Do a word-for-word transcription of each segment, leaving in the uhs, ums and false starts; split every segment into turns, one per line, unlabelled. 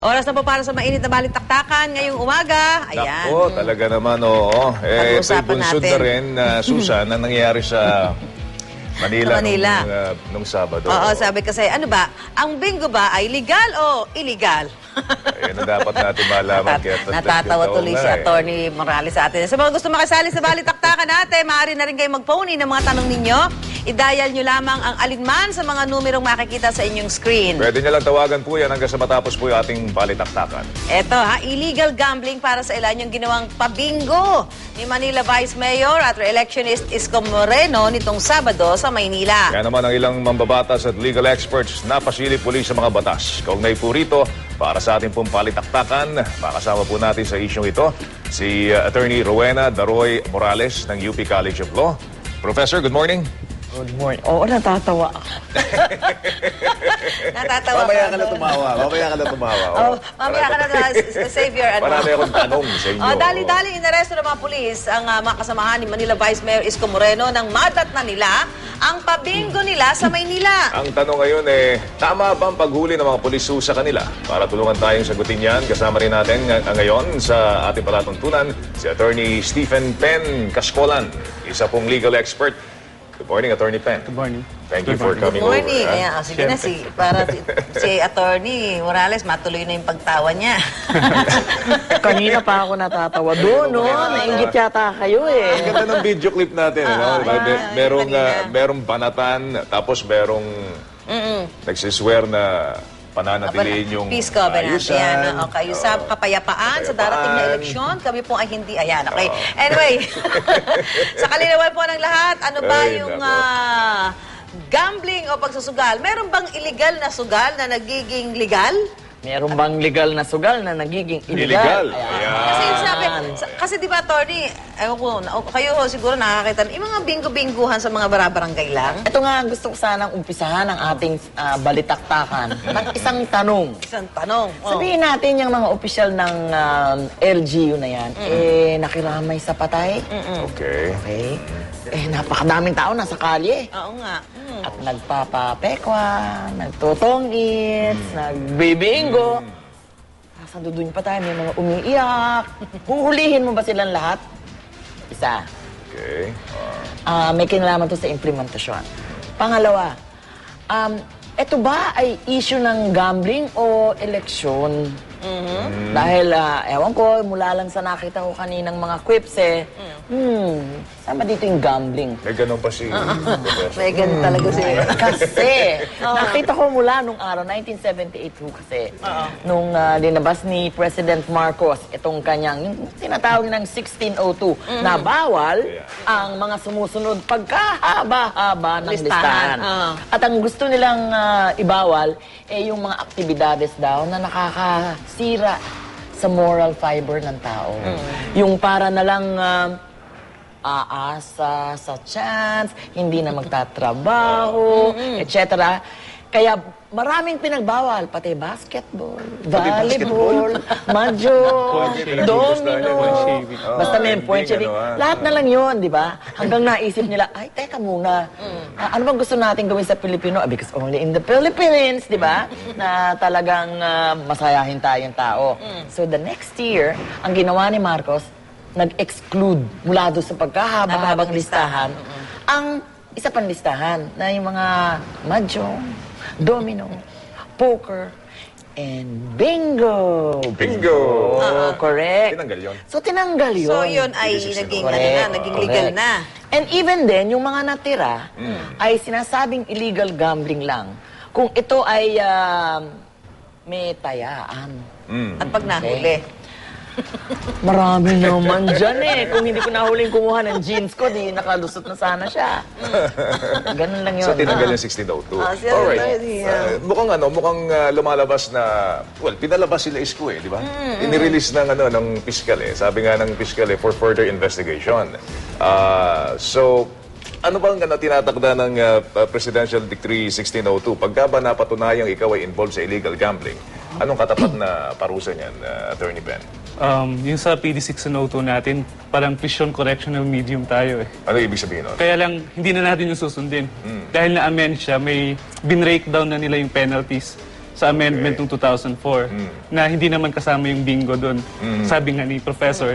Oras na po para sa mainit na balitaktakan ngayong umaga. Ayan.
Nako, talaga naman, oo. Eh, ito'y
Pag-usapan
bunsod
natin.
na rin, uh, Susan, na nangyayari sa Manila,
Sa Manila.
Nung, uh, nung Sabado.
Oo, sabi kasi, ano ba, ang bingo ba ay legal o illegal?
Ayun na dapat natin malaman.
Natat-
kaya
Natatawa
totoo
tuloy
nga
si
eh.
Atty. Morales sa atin. Sa mga gusto makasali sa balitaktakan natin, maaari na rin kayo mag-phone in ng mga tanong ninyo. I-dial nyo lamang ang alinman sa mga numerong makikita sa inyong screen.
Pwede nyo lang tawagan po yan hanggang sa matapos po yung ating balitaktakan.
Eto ha, illegal gambling para sa ilan yung ginawang pabingo ni Manila Vice Mayor at re-electionist Isko Moreno nitong Sabado sa Maynila.
Kaya naman ang ilang mambabatas at legal experts napasilip muli sa mga batas. Kaugnay po rito, para sa ating pong balitaktakan, makasama po natin sa isyong ito si uh, Attorney Rowena Daroy Morales ng U P College of Law. Professor, good morning.
Good morning. Oo, natatawa ako.
Natatawa
Mamaya
ka,
ka na
no?
tumawa. Mamaya ka na tumawa.
Oh, mamaya ka na na Savior. Ano?
Marami akong tanong sa inyo.
Oh, dali-dali inaresto ng mga pulis ang uh, mga kasamahan ni Manila Vice Mayor Isko Moreno nang madat na nila ang pabingo nila sa Maynila.
Ang tanong ngayon eh, tama ba ang paghuli ng mga pulis sa kanila? Para tulungan tayong sagutin yan, kasama rin natin ng- ngayon sa ating palatuntunan si Attorney Stephen Pen Cascolan, isa pong legal expert. Good morning, Attorney Pen.
Good morning.
Thank you for
Good
coming
morning.
over. ha?
Ayan, oh, sige na, si, para si, si Attorney Morales, matuloy na yung pagtawa niya.
Kanina pa ako natatawa doon, no? Nainggit yata kayo eh.
Ang ganda ng video clip natin. ano?
ah,
Mer-
ah,
merong,
kanina.
ah, merong banatan, tapos merong nagsiswear na pananatiliin yung
Peace covenant.
ayusan.
Ayan, oh, kayo sa
Oo.
kapayapaan, sa darating na
Kapayapaan.
eleksyon. Kami po ay hindi. Ayan, okay. Anyway, sa kalinawan po ng lahat, ano ba
Ay,
yung
nako.
ah, gambling o pagsusugal? Meron bang illegal na sugal na nagiging legal?
Meron bang legal na sugal na nagiging
Illegal.
illegal?
Ayan.
Kasi yung sabi, sa- kasi di ba, Tony, ewan ko, na- kayo ho, siguro nakakita, yung mga bingo-binguhan sa mga barabarangay lang.
Ito nga, gusto ko sanang umpisahan ang ating ah, balitaktakan ng isang tanong.
Isang tanong. Oh.
Sabihin natin yung mga opisyal ng um, L G U na yan, eh, nakiramay sa patay.
Okay.
Okay? Eh, napakadaming tao nasa kalye.
Oo nga. Mm.
At nagpapapekwa, nagtutong-its, nagbibingo. Nasaan doon pa tayo, may mga umiiyak. Huhulihin mo ba silang lahat? Isa.
Okay.
Ah, may kinalaman to sa implementasyon. Pangalawa, um, ito ba ay issue ng gambling o eleksyon? Dahil, ah, ewan ko, mula lang sa nakita ko kaninang mga quips eh, hmm, sama dito yung gambling.
May ganun pa si Professor.
May ganun talaga siya.
Kasi, nakita ko mula nung araw, nineteen seventy-eight ho kasi, nung ah, dinabas ni President Marcos, itong kanyang, yung tinatawag ng sixteen oh two, na bawal
Yeah.
ang mga sumusunod pagkahaba-haba ng
Listahan.
listahan.
Oo.
At ang gusto nilang ah, ibawal, eh yung mga aktibidades daw na nakakasira sa moral fiber ng tao. Yung para na lang ah, aasa sa chance, hindi na magtatrabaho, et cetera. Kaya maraming pinagbawal, pati basketball, volleyball, mahjong,
Point
domino,
shaving.
basta may
Oh,
point
hindi,
shaving.
ano, ah.
Lahat na lang yun, di ba? Hanggang naisip nila, ay, teka muna, ah, ano bang gusto natin gawin sa Pilipino? Ah, because only in the Philippines, di ba? Na talagang ah, masayahin tayong tao. So the next year, ang ginawa ni Marcos, nag-exclude mula doon sa pagkahaba-habang
Habang
listahan, ang isa pang listahan na yung mga mahjong, domino, poker, and bingo.
Bingo.
Oo, correct.
Tinanggal yun.
So, tinanggal yun.
So, yun ay
This is
naging,
correct.
ano na, naging legal
Correct.
na.
And even then, yung mga natira ay sinasabing illegal gambling lang. Kung ito ay um, may tayaan.
Mm.
At pag nahuli.
Marami naman dyan eh. Kung hindi ko nahuling kumuha ng jeans ko, di nakalusot na sana siya. Ganun lang yun.
So, tinanggal yung sixteen oh two.
Ah, siya,
Alright.
yeah.
Uh, mukhang ano, mukhang uh, lumalabas na, well, pinalabas sila Isko eh, di ba? Inirelease ng, ano, ng piskal eh. Sabi nga ng piskal eh, for further investigation. Uh, so, ano bang ano, tinatakda ng uh, Presidential Decree sixteen oh two? Pagka ba napatunayang ikaw ay involved sa illegal gambling, anong katapat na parusa niyan, uh, Attorney Ben?
Um, yung sa P D sixteen oh two natin, parang prison correctional medium tayo eh.
Ano ibig sabihin nun?
Kaya lang, hindi na natin yung susundin. Dahil na-amend siya, may bin-breakdown na nila yung penalties. sa amendment ng two thousand four na hindi naman kasama yung bingo doon. Sabi nga ni Professor.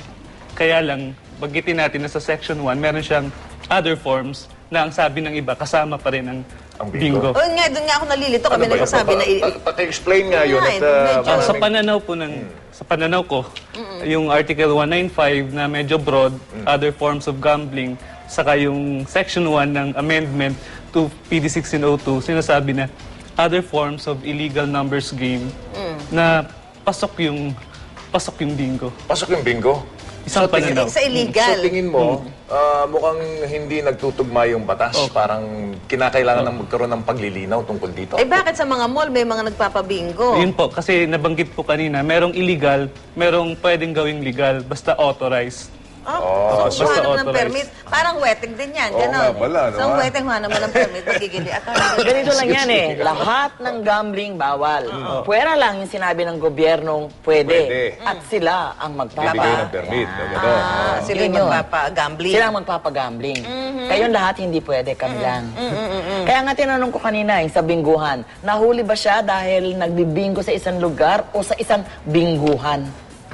Kaya lang, bagitin natin na sa Section one, meron siyang other forms na ang sabi ng iba, kasama pa rin ang,
Ang bingo.
bingo.
O nga, doon nga ako nalilito. Kami
Ano ba yun?
nagsasabi na... i-
Pa- pa- Paki-explain nga yun.
Ay,
At, uh,
medyo-
Ah, sa
maraming-
pananaw po ng sa pananaw ko, yung Article one ninety-five na medyo broad, other forms of gambling, saka yung Section one ng amendment to P D sixteen oh two, sinasabi na other forms of illegal numbers game na pasok yung pasok yung bingo.
Pasok yung bingo.
Isang
tingin-
pananaw.
Sa illegal.
So tingin mo, ah, mukhang hindi nagtutugma yung batas. Parang kinakailangan ng magkaroon ng paglilinaw tungkol dito.
Eh bakit sa mga mall may mga nagpapabingo?
Yun po, kasi nabanggit po kanina, merong illegal, merong pwedeng gawing legal, basta authorized.
Oh, so,
basta
kuha naman ng
authorized.
permit. Parang wedding din yan.
Oo
Ganon.
nga pala, no,
So,
ah?
wedding, kuha naman ng permit. Magigili. At
Ganito lang yan eh. Lahat ng gambling bawal. Pwera lang yung sinabi ng gobyernong pwede.
Pwede.
At sila ang magpapa.
Bibigay ng permit.
Yan.
Gano'n.
Ah, sila yung
Yun yun.
magpapa-gambling.
Sila ang magpapagambling. Kayong lahat hindi pwede, kami lang. Kaya nga tinanong ko kanina, yung sa bingguhan, nahuli ba siya dahil nagbibingo sa isang lugar o sa isang bingguhan?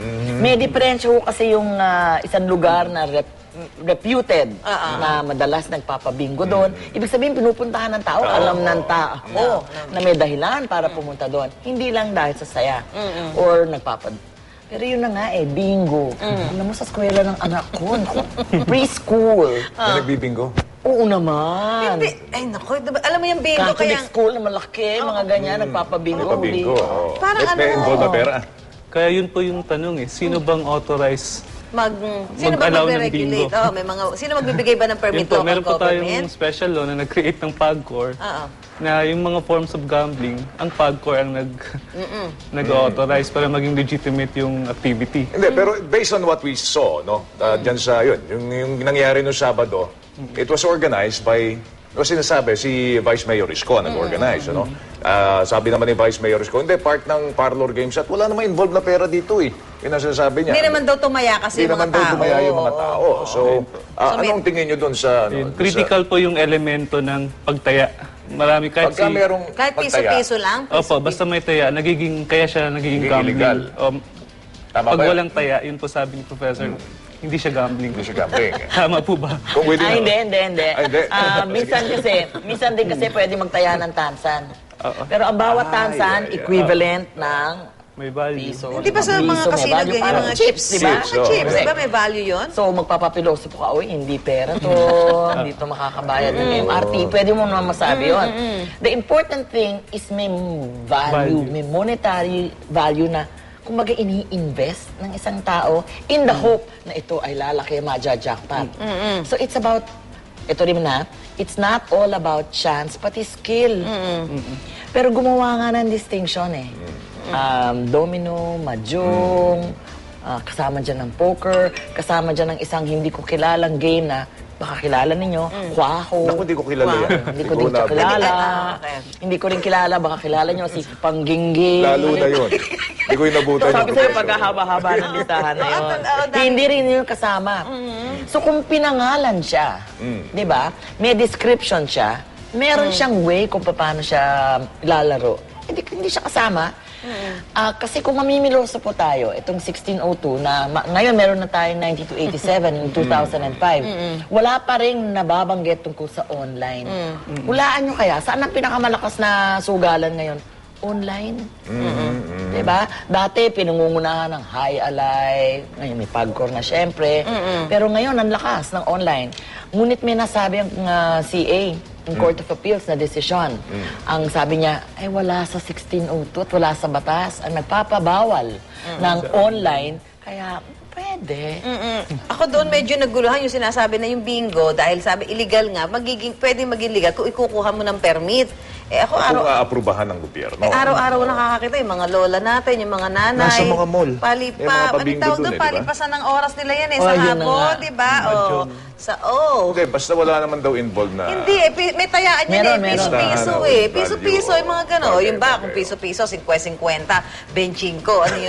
May diferensya ho kasi yung ah, isang lugar na rep- reputed na madalas nagpapabingo doon. Ibig sabihin, pinupuntahan ng tao, alam ng tao na may dahilan para pumunta doon. Hindi lang dahil sa saya or nagpapad. Pero yun na nga eh, bingo. Alam mo, sa eskwela ng anak ko, naku, preschool.
May nagbibingo.
Oo naman.
Hindi. Ay, naku. diba, alam mo yung bingo,
Catholic
kaya...
school na malaki, mga ganyan, nagpapabingo.
Pabingo.
Huli.
oo.
Parang
May-
ano-
May involved na pera.
Kaya yun po yung tanong eh, sino bang authorized?
Mag, sino ba
Mag-allow ng
magre-regulate?
bingo.
Oh, may mga, sino magbibigay ba ng permit
Yun po,
local
meron po tayong
government?
special law na nag-create ng PAGCOR
Oo.
na yung mga forms of gambling, ang PAGCOR ang nag, nag-authorize para maging legitimate yung activity.
Hindi, pero based on what we saw, no, uh, dyan sa yun, yung, yung nangyari no Sabado, it was organized by, o sinasabi, si Vice Mayor Isko nag-organize, ano? Ah, sabi naman ni Vice Mayor Isko, hindi, part ng parlor games at wala naman involved na pera dito eh. Yun ang sinasabi niya.
Hindi naman daw tumaya kasi
Hindi
yung mga
naman daw
tao.
tumaya yung mga tao. So, ah,
So, may-
anong tingin nyo doon sa... Ano,
Yun,
doon
critical po yung elemento ng pagtaya. Marami
Sa,
kahit
pagka
si...
merong
Kahit
pagtaya,
piso-piso lang.
Opo, basta may taya, nagiging, kaya siya nagiging
Nagiging
gambling.
illegal.
Um,
Tama
pag
ba yun?
walang taya, yun po sabi ni Professor, hindi siya gambling.
Hindi siya gambling.
Tama po ba?
Kung within...
Ay, hindi, hindi, hindi.
Ay, hindi.
Ah, minsan kasi, minsan din kasi pwede magtaya ng tansan.
Oo.
Pero ang bawat tansan,
ay, ay.
equivalent ng
May value.
piso.
Hindi ba sa mga
Piso, may
casino
value.
ganyan,
Parang
mga
chips,
chips,
di ba?
Mga chips,
So,
di ba may value yun?
So, magpapapiloso po ka, uy, hindi pera to, hindi to makakabayad ng M R T. Pwede mo naman masabi yun. The important thing is may value,
Value.
may monetary value na kumbaga ini-invest ng isang tao in the hope na ito ay lalaki, maja-jackpot. So, it's about, ito rin na, it's not all about chance, pati skill. Pero gumawa nga ng distinction eh. Um, domino, mahjong, ah, kasama dyan ng poker, kasama dyan ng isang hindi ko kilalang game na baka kilala ninyo, kwaho.
Naku, hindi ko kilala yan.
Hindi ko
Hindi
din
ko
siya
na-
kilala.
Ah, okay.
Hindi ko rin kilala, baka kilala nyo si Pangginggi.
Lalo na yun. Hindi ko inabutan
Sabi
yung
sa'yo,
profession.
pagkahaba-haba ng listahan na yun.
Oo, oo, dami.
Hindi rin yun kasama. So kung pinangalan siya, di ba, may description siya, meron siyang way kung paano siya lalaro. Hindi, hindi siya kasama. Ah, kasi kung mamimiloso po tayo, itong sixteen oh two na ma- ngayon meron na tayong ninety-two eighty-seven in two thousand five, wala pa rin nababanggit tungkol sa online. Hulaan nyo kaya, saan ang pinakamalakas na sugalan ngayon? Online. Diba? Dati, pinangungunahan ng High Alive, ngayon may Pagcor na syempre. Pero ngayon, ang lakas ng online. Ngunit may nasabi ang uh, C A, yung Court of Appeals na desisyon. Ang sabi niya, ay wala sa sixteen oh two at wala sa batas ang nagpapabawal ng online. Kaya, pwede.
Mm-mm. Ako doon medyo naguluhan yung sinasabi na yung bingo dahil sabi illegal nga, magiging, pwedeng maging legal kung ikukuha mo ng permit. Eh ako araw,
Kung aaprubahan ng gobyerno.
eh, araw-araw nakakakita yung mga lola natin, yung mga nanay.
Nasa mga mall.
Palipa,
May mga
ano
pabingo
tawag
dun
doon?
eh, di ba?
Palipasan ng oras nila yan eh,
Oh,
sa
yun na
hapon,
nga.
di ba? Oh, sa, oh.
Hindi, basta wala naman daw involved na...
Hindi eh, pi- may tayaan yan
Meron,
eh,
meron.
piso-piso
Tahanan,
eh.
value.
Piso-piso, yung mga gano'n.
Okay,
Yung ba,
okay.
kung piso-piso, fifty fifty, twenty twenty, twenty-five, ano yun?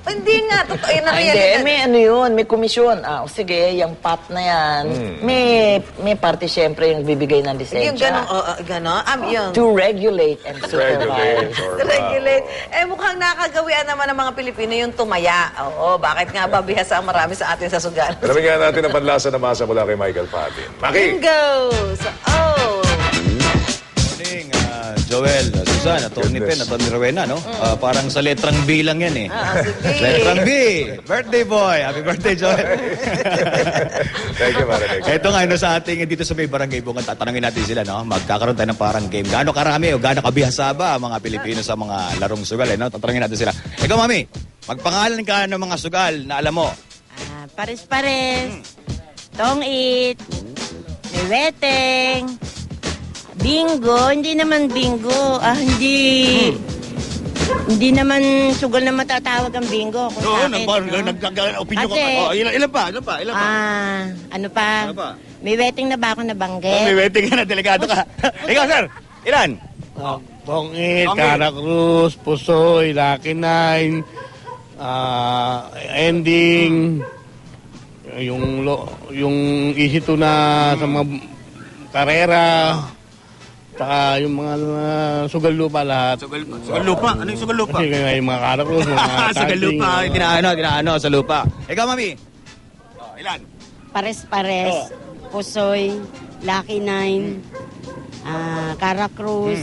Hindi nga, totoo yun na
Ay, hindi,
realidad.
may ano yun, may komisyon. Ah, o sige, yung pot na yan, may may parte siyempre yung bibigay ng lisensya.
Yung gano'n, oh, oh, gano'n, um, yun.
To regulate and
Regulate.
supervise.
or,
To regulate. Eh, mukhang nakagawian naman ng mga Pilipino yung tumaya. Oo, bakit nga ba bihasa ang marami sa atin sa sugal?
Alamin nga natin ang panlasa na masa mula kay Michael Patin. Maki!
Bingo! So, oh!
Morning, ah, Joel, uh, Susan, Atty. Pen, Atty. Rowena, no? Ah, parang sa letrang B lang yan eh.
Ah, sige.
Letrang B. Birthday boy. Happy birthday, Joel.
Thank you, Marinig.
Ito nga, no, sa ating dito sa may barangay bungan, tatanungin natin sila, no? Magkakaroon tayo ng parang game. Gaano karami o gaano kabihasa ba ang mga Pilipino sa mga larong sugal, eh, no? Tatanungin natin sila. Ikaw, Mami, magpangalan ka ng mga sugal na alam mo.
Ah, pares-pares. Tong-it. May weteng. Bingo. Hindi naman bingo. Ah, hindi. Hindi naman sugal na matatawag ang bingo. Kung
Oo,
sa akin, no?
nag-opinion
Kasi,
Oh, ilan, ilan pa? Ilan pa? Ilan pa?
Ah, ano pa?
Ano pa?
May weteng na ba ako
Oh, may
nabanggit?
waiting ka na, delegado ka. Ikaw, sir, ilan?
Bongit,
Bongit.
Cara Cruz, Pusoy, Lucky Nine, ah, Ending, yung lo, yung easy to na sa mga karera, saka yung mga uh, sugal lupa lahat.
Sugal, sugal lupa? Ano yung sugal lupa?
Kasi kaya yung mga Cara Cruz, mga
sugal
Tanding,
lupa,
mga-
dinaano, dinaano sa lupa. Ikaw, Mami? Oh, ilan?
Pares-pares. Pusoy. Lucky Nine. Ah, Cara Cruz.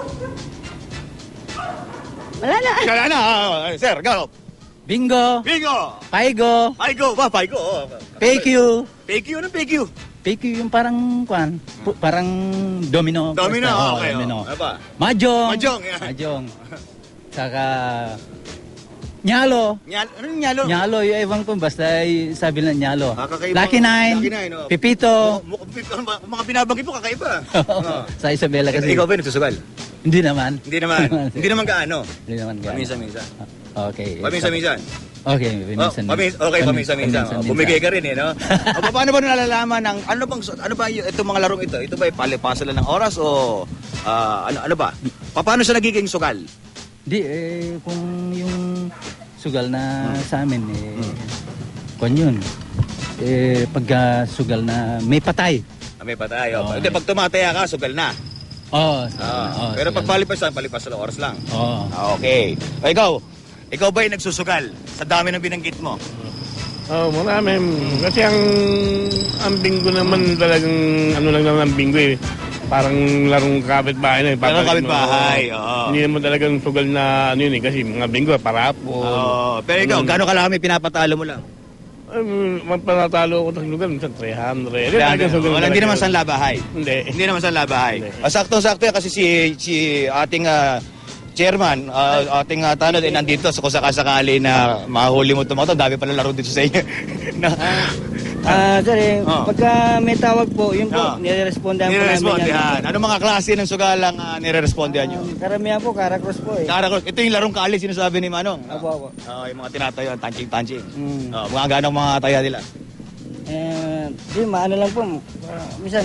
Wala na.
Kaya na, ah, sir, go.
Bingo,
Bingo!
Paigo,
Paigo, ba, Paigo. Oh.
P Q.
P Q, anong P Q?
P Q yung parang, kwan, pu- parang domino.
Domino,
Basta, oh,
okay.
domino.
Oh. Ano ba?
Mahjong.
Mahjong, yan.
Mahjong. Saka, nyalo.
Nyalo, anong nyalo?
Nyalo, yung ewan ko, basta y- sabi lang nyalo.
Ah, kakaiba.
Lucky Nine,
Lucky Nine, oh.
Pipito.
Mu- mu- ano ba, mga binabanggit mo, kakaiba. Oh.
Sa Isabela kasi.
Ikaw ba yung nagsusugal?
Hindi naman.
Hindi naman. Hindi naman gaano.
Hindi naman. gaano.
Paminsan-minsan.
Okay.
Paminsan-minsan.
Okay,
Oh,
paminsan.
pamis, okay, paminsan-minsan. Oh, bumigay ka rin eh, no? O, paano ba nalalaman ng, ano bang, ano ba yung, itong mga larong ito? Ito ba, palipasan lang ng oras o, ah, ano, ano ba? Pa- Paano siya nagiging sugal?
Hindi, eh, kung yung sugal na
Hmm.
sa amin, eh, kung yun, eh, pagka sugal na may patay.
Ah, may patay. Oh.
Oo.
Hindi, pag tumataya ka, sugal na.
Oo.
Ah,
oo,
pero
sugal.
pag palipasan, palipasan ng oras lang.
Oo.
Ah, okay. O, ikaw, ikaw ba yung nagsusugal sa dami ng binanggit mo?
Oh, marami. Kasi ang ang bingo naman talagang ano lang naman ang bingo eh. Parang larong kapitbahay na eh.
Larong
Papalitan mo.
kapitbahay, oo.
Hindi naman talagang sugal na ano yun eh. Kasi mga bingo, parapol.
Oh, pero ikaw,
Mm.
gano'ng kalami pinapatalo mo lang?
Ay, magpanatalo ako sa lugar, minsan three hundred. Hindi talagang sugal
Wala, hindi
talaga.
naman sa labahay.
Hindi.
Hindi naman sa labahay.
Hindi.
Ah, saktong-sakto yan kasi si, si ating ah, chairman, ah, ating uh, tanod, eh, nandito so kung sakasakali na mahuli mo tumato, dami pala laro dito sa inyo. na,
Ah, sir, eh,
Oh.
pagka may tawag po, yun po,
Oh.
nire-respondahan po namin yan.
nire-respondihan. Ano mga klase ng sugalang uh, nire-respondihan nyo?
Um, karamihan po, Cara Cruz po eh.
Cara Cruz, ito yung larong kali sinasabi ni Manong.
Apo, apo.
Oh, yung mga tinatayo, tanching-tanching.
Mm.
Oh, mga ganong mga taya nila.
Eh, di, maano lang po, ah, minsan,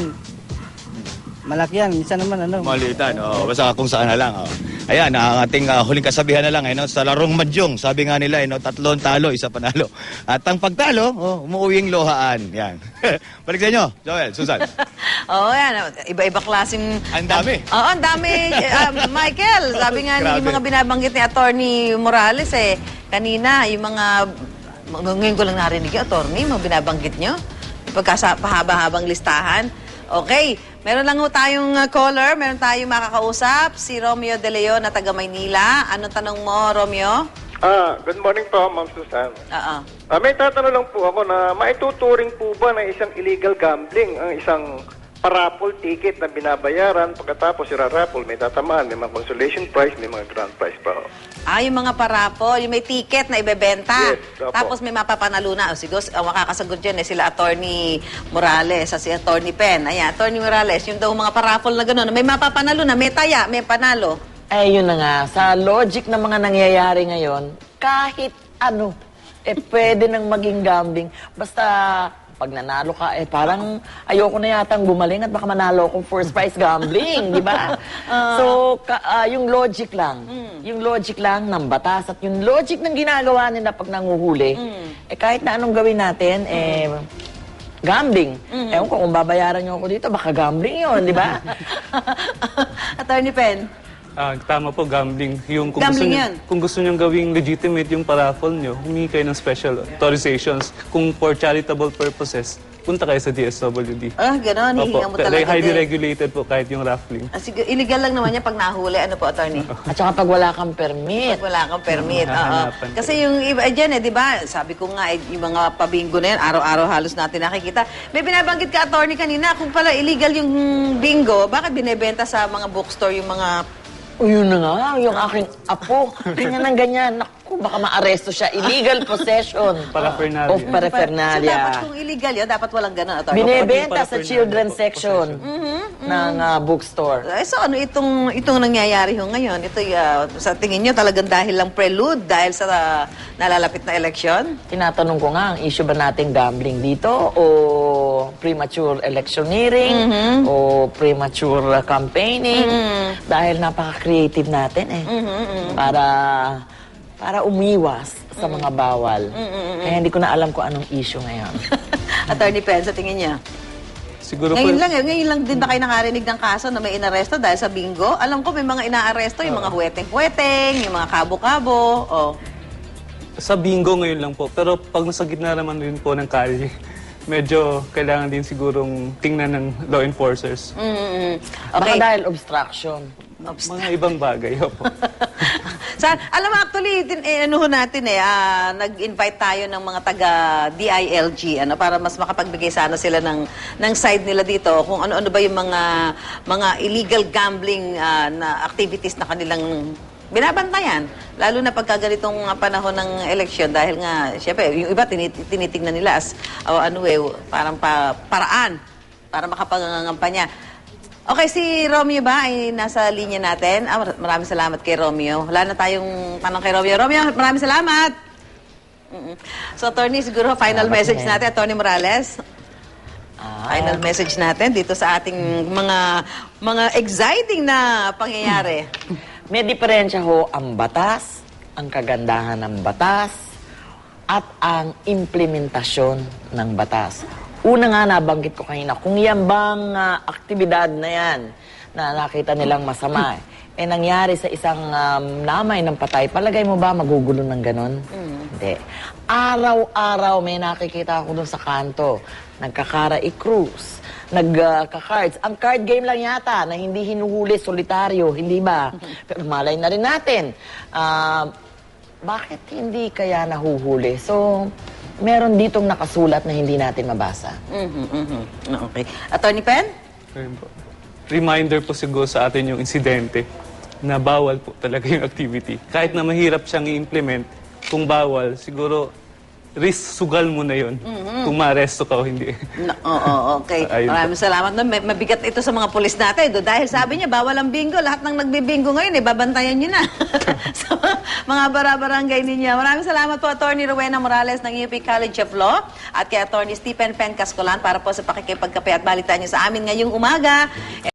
malaki yan, minsan naman ano.
Malitan, oh, basta kung saan na lang. Oh. Ayan, ang ating uh, huling kasabihan na lang, eh, no? Sa larong madyong, sabi nga nila, eh, no? Tatlong talo, isa panalo. At ang pagtalo, oh, umuuwing lohaan. Yan. Balik sa inyo, Joel, Susan.
Oo, yan. Iba-iba klaseng...
Ang dami.
Oo, ang dami. Um, Michael, sabi nga ni- yung
Grabe.
mga binabanggit ni Attorney Morales eh, kanina, yung mga... Ngayon ko lang narinig yung attorney, mga binabanggit nyo. Pagkasa pahaba-habang listahan. Okay, meron lang ho tayong uh, caller, meron tayong makakausap, si Romeo De Leon na taga Maynila. Anong tanong mo, Romeo?
Ah, good morning po, Ma'am Susan.
Oo.
Ah, may tatanong lang po ako na maituturing po ba na isang illegal gambling ang isang parapol ticket na binabayaran pagkatapos ira-raffle, may tatamaan, may mga consolation prize, may mga grand prize pa. Oh.
Ah, yung mga parapol, yung may ticket na ibebenta.
Yes, opo.
Tapos may mapapanalo na. O, siguro, ang makakasagot dyan eh, sila Attorney Morales at si Attorney Pen. Ayan, Attorney Morales, yung daw mga parapol na gano'n, may mapapanalo na, may taya, may panalo.
Eh, yun na nga. Sa logic ng mga nangyayari ngayon, kahit ano, eh, pwede nang maging gambling. Basta pag nanalo ka, eh parang ayoko na yatang gumaling at baka manalo akong first prize gambling, di ba? So, ka, ah, yung logic lang, yung logic lang ng batas at yung logic ng ginagawa nila pag nanguhuli, eh kahit na anong gawin natin, eh, gambling. Ewan ko, kung babayaran nyo ako dito, baka gambling yun, di ba?
Attorney Pen.
Ah, tama po, gambling. Yung kung
Gambling
gusto
yan.
nyo, kung gusto nyo gawing legitimate yung paraffle nyo, humingi kayo ng special authorizations. Kung for charitable purposes, punta kayo sa D S W D.
Ah, gano'n. Hihinga mo
Opo,
talaga
highly
din.
regulated po kahit yung raffling.
Ah, sige, illegal lang naman yan pag nahuli. Ano po, attorney?
At saka pag wala kang permit.
Pag wala kang permit. Oo.
Hahanapan ko.
Kasi yung iba dyan, eh, di ba? Sabi ko nga, eh, yung mga pabingo na yan, araw-araw halos natin nakikita. May binabanggit ka, attorney, kanina, kung pala illegal yung bingo, bakit binebenta sa mga bookstore yung mga...
O yun na nga, yung aking apo. Ganyan ng ganyan. Naku, baka maaresto siya. Illegal possession
Paraphernalia.
of paraphernalia.
So, dapat kung illegal yun, dapat walang ganun, attorney.
Binebenta sa
paraphernalia
children's
po,
section ng ah, bookstore.
Eh, so ano itong itong nangyayari ho ngayon? Ito uh, sa tingin nyo talagang dahil lang prelude dahil sa uh, nalalapit na eleksyon?
Tinatanong ko nga, ang issue ba natin gambling dito o premature electioneering o premature uh, campaigning? Dahil napaka-creative natin eh. Para para umiwas sa mga bawal. Kaya hindi ko na alam kung anong issue ngayon.
Attorney Pen, sa tingin niya?
Siguro
Ngayon
po,
lang, eh, ngayon lang din ba kayo nakarinig ng kaso na may inaresto dahil sa bingo? Alam ko may mga inaaresto, yung mga huweteng-huweteng, yung mga kabo-kabo. Oh.
sa bingo ngayon lang po. Pero pag nasa gitna naman rin po ng kalye, medyo kailangan din sigurong tingnan ng law enforcers.
Mm-hmm.
Baka
Okay.
dahil obstruction.
Mga ibang bagay. Opo.
Sa, alam mo, actually, tin, eh, ano ho natin eh, ah, nag-invite tayo ng mga taga-D I L G ano, para mas makapagbigay sana sila ng, ng side nila dito kung ano-ano ba yung mga, mga illegal gambling ah, na activities na kanilang binabantayan. Lalo na pagka ganitong ah, panahon ng eleksyon dahil nga, syempre, yung iba tinit tinitignan nila as oh, ano eh, parang pa paraan para makapangangampanya. Okay, si Romeo ba ay nasa linya natin? Ah, mar- maraming salamat kay Romeo. Wala na tayong tanong kay Romeo. Romeo, maraming salamat! Mm-mm. So, attorney, siguro final
Salamat
message
din.
natin, Attorney Morales.
Ah,
Final message natin dito sa ating mga mga exciting na pangyayari.
May diferensya ho ang batas, ang kagandahan ng batas, at ang implementasyon ng batas. Una nga nabanggit ko kanina, kung yan bang ah, aktibidad na yan na nakita nilang masama, eh nangyari sa isang um, namay ng patay, palagay mo ba magugulo ng ganon? Hindi. Araw-araw may nakikita ako dun sa kanto, nagkakara i-cruise, nagka-cards. Ang card game lang yata na hindi hinuhuli, solitaryo, hindi ba? Pero malay na rin natin. Ah, bakit hindi kaya nahuhuli? So, meron ditong nakasulat na hindi natin mabasa.
Mhm, mhm. Okay. Attorney Pen?
Ayun po. Reminder po siguro sa atin yung insidente na bawal po talaga yung activity. Kahit na mahirap siyang i-implement, kung bawal, siguro risk sugal mo na yun kung maaresto ka o hindi.
No, oo, okay.
Ayun po.
Maraming salamat. No, may- mabigat ito sa mga pulis natin. Do, dahil sabi niya, bawal ang bingo. Lahat ng nagbibingo ngayon, eh, babantayan niyo na. So, mga bara-barangay ninyo. Maraming salamat po, Attorney Rowena Morales ng U P College of Law at kay Attorney Stephen Pen Cascolan para po sa pakikipagkape at balitaan niyo sa amin ngayong umaga.